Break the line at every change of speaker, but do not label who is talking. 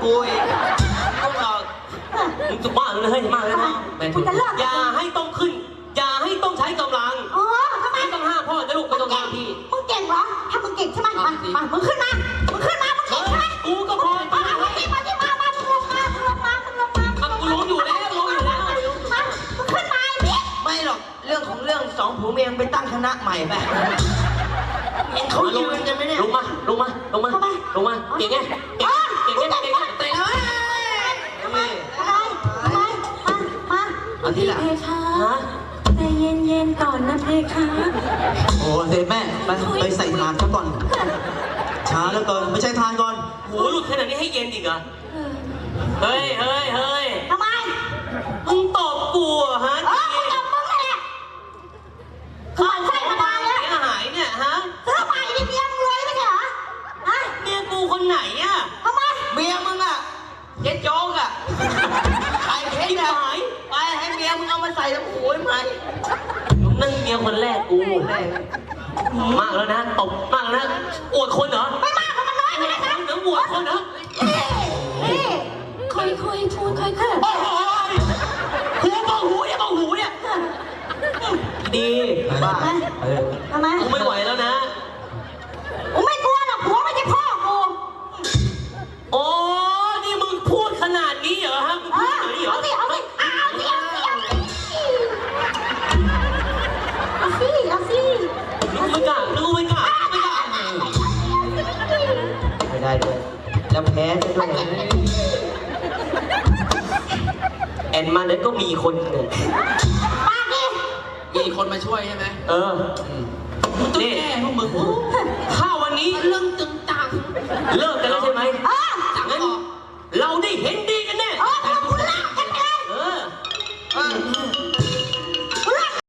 กูอีกต้องหลอกมึงจะบ้าเลยเฮ้ยมากเลยนะอย่าให้ต้องขึ้นอย่าให้ต้องใช้กำลัง
อ๋อทำไม
ต้องห้ามพ่อจะลูกไม่ต้องห้ามพี่
มึงเก่งเหรอถ้ามึงเก่งใช่ไหมมามึงขึ้นมามึงเก่งใช่ไหม
กูก็พอ
มามึงลงมา
กูรู้อยู่แล้วรู้อยู่แล้ว
มึงขึ้นมาพี่
ไม่หรอกเรื่องของเรื่องสองผัวเมียไปตั้งคณะใหม่ไปเห็นเขายืนกันไหมเนี่ยลงมาเก่งไงเตะเอาทีละ
ใจเย็นๆก่อนนะเพคะ
โอ้เด็แม่ไปใส่ทานเขาก่อนช้าแล้วเกินไม่ใช่ทานก่อน
โหหลุดขนาดนี้ให้เย็นอีกเหรอเฮ้ย
ทำไม
มึงตบกูฮะ
มึงตบมึงแหละข้าใส่มาเลย
เสียหายเนี่ยฮะ
ซื้อใหม่ดิเมียมึงรวยไม่ใช่เหรอฮะ
เมียกูคนไหนอ่ะ
ทำไม
เมียมึงอ่ะเจ๊โจ๊กอ่ะใครเพชรหายไปให้เมียมึงเอามาใส่แล้วโอ้ยไม่มึงนั่งเมียคนแรกกูแรกมากแล้วนะตบมากแล้วนะอวดคนเหรอ
ไม่มากมันน้อยไปเลยนะ
เดี๋ยวอวดคนเหรอ
ค่อยพูดค่อย
โอ้โหหูเบาหูเนี่ยดีบ้า
ทำไม
กูไม่ไหวแล้วนะ
กูไม่กลัวหรอกผัวไม่ใช่พ่อกู
โอ้นี่มึงพูดขนาดนี้เหรอฮะมึงพูดไหนเหรอ
เอาสิ
นึกไม่กล้าไม่ได้ด้วยแล้วแพ้ด้วยแอนมาแล้วก็มีคนหนึ่งมีคนมาช่วยใช่ไหมนี่พวกมึงถ้าวันนี้เรื่องตึงตังเลิกกันแล้วใช่ไหมงั้นเรา